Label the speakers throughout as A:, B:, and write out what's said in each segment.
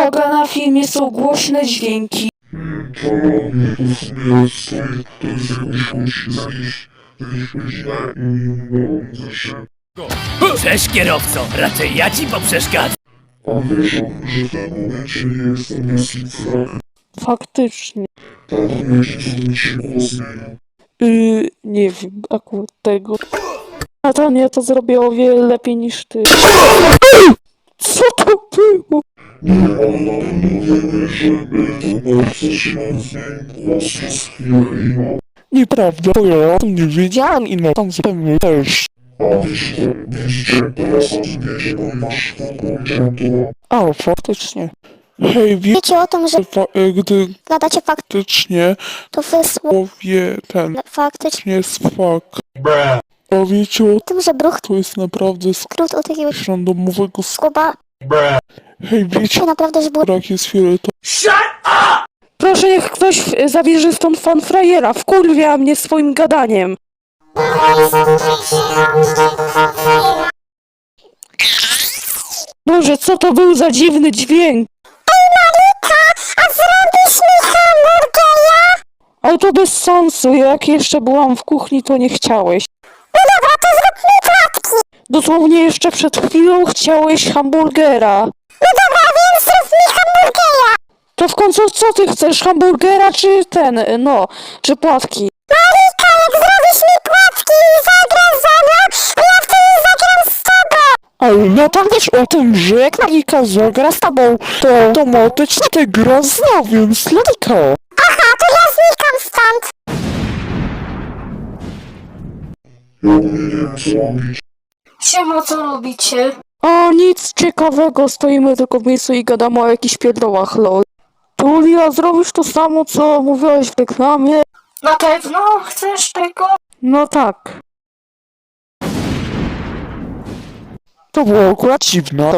A: Uwaga, na filmie są głośne dźwięki.
B: To robię, to sobie jest to jest jakoś musi zanieść źle i za szybko.
C: Cześć kierowco, raczej ja ci poprzeszkadzam.
B: A wiesz, że w tym momencie nie jestem jasnym.
A: Faktycznie.
B: Tak, myślę, że mi się głos zmienił.
A: Nie wiem akurat tego. Natania to zrobię o wiele lepiej niż ty. Co to było?
B: Nie, ale na pewno wiemy, że bardzo się zmienił głos z chwilę i no.
D: Nieprawda, bo ja o tym nie wiedziałem i na tam zupełnie też.
B: A widzicie, teraz rozumiecie, bo masz włączone.
D: A, faktycznie. Hej,
E: Wiecie o tym, że
D: gdy
E: gadacie
D: faktycznie
E: to wysłał
D: powie ten
E: faktycznie
D: jest fakt. A wiecie o
E: o tym, że bruch
D: to jest naprawdę
E: skrót od jakiegoś
D: randomowego
E: skuba
D: Hej, wiecie,
E: to naprawdę, że było
D: brak jest fioletowy.
A: Proszę, niech ktoś zabierze stąd fanfrajera. Wkurwia mnie swoim gadaniem. Boże, co to był za dziwny dźwięk?
E: A zrobisz mi hamburgera?
A: Ale to bez sensu. Jak jeszcze byłam w kuchni, to nie chciałeś.
E: No dobra, to zrób mi płatki.
A: Dosłownie jeszcze przed chwilą chciałeś hamburgera.
E: No dobra, więc zrób mi hamburgera.
A: To w końcu co ty chcesz? Hamburgera czy czy płatki?
E: Marika, jak zrobisz mi płatki i zagrasz ze mną, to ja wtedy zagram z tobą.
D: Ale no tam wiesz o tym, że jak Lolika zagra z tobą, to automatycznie ty gra z nią, więc Lolika.
E: Aha, to ja znikam stąd.
B: Ja nie wiem co robić.
A: Siema, co robicie? O, nic ciekawego. Stoimy tylko w miejscu i gadamy o jakichś pierdołach, lol. Julia, zrobisz to samo, co mówiłaś w reklamie? Na pewno? Chcesz tego? No tak.
D: To było akurat dziwne.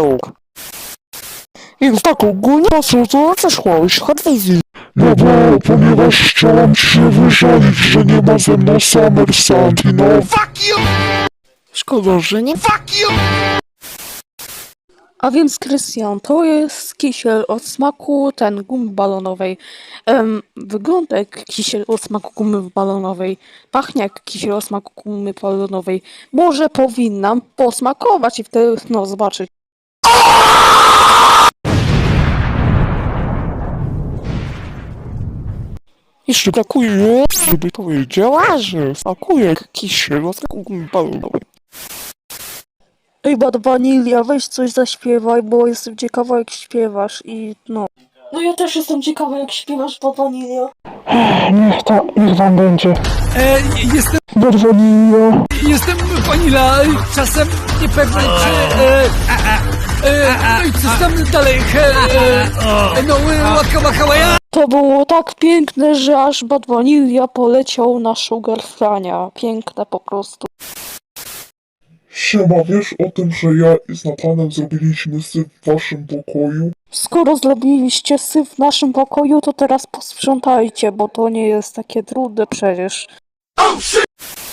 D: Więc tak ogólnie po co to przeszłaś od wizji.
B: No bo, ponieważ chciałem ci się wyżalić, że nie ma ze mną Summer Sandy, no.
D: Szkoda, że nie.
A: A więc, Krystian, to jest kisiel o smaku gumy balonowej. Wygląda jak kisiel o smaku gumy balonowej. Pachnie jak kisiel o smaku gumy balonowej. Może powinnam posmakować i wtedy, zobaczyć.
D: Jeszcze brakuje, żeby powiedziała, że smakuje jak kisiel o smaku gumy balonowej.
A: Ej, Bad Vanilla, weź coś zaśpiewaj, bo jestem ciekawa jak śpiewasz i no. No ja też jestem ciekawa jak śpiewasz, Bad Vanilla.
D: Niech wam będzie.
C: Jestem
D: Bad Vanilla.
C: Vanilla, czasem niepewny czy... No i co tam dalej? Łaka Maja?
A: To było tak piękne, że aż Bad Vanilla poleciał na Sugar Frania. Piękne po prostu.
B: Siema, wiesz o tym, że ja z Natanem zrobiliśmy syf w waszym pokoju?
A: Skoro zrobiliście syf w naszym pokoju, to teraz posprzątajcie, bo to nie jest takie trudne przecież.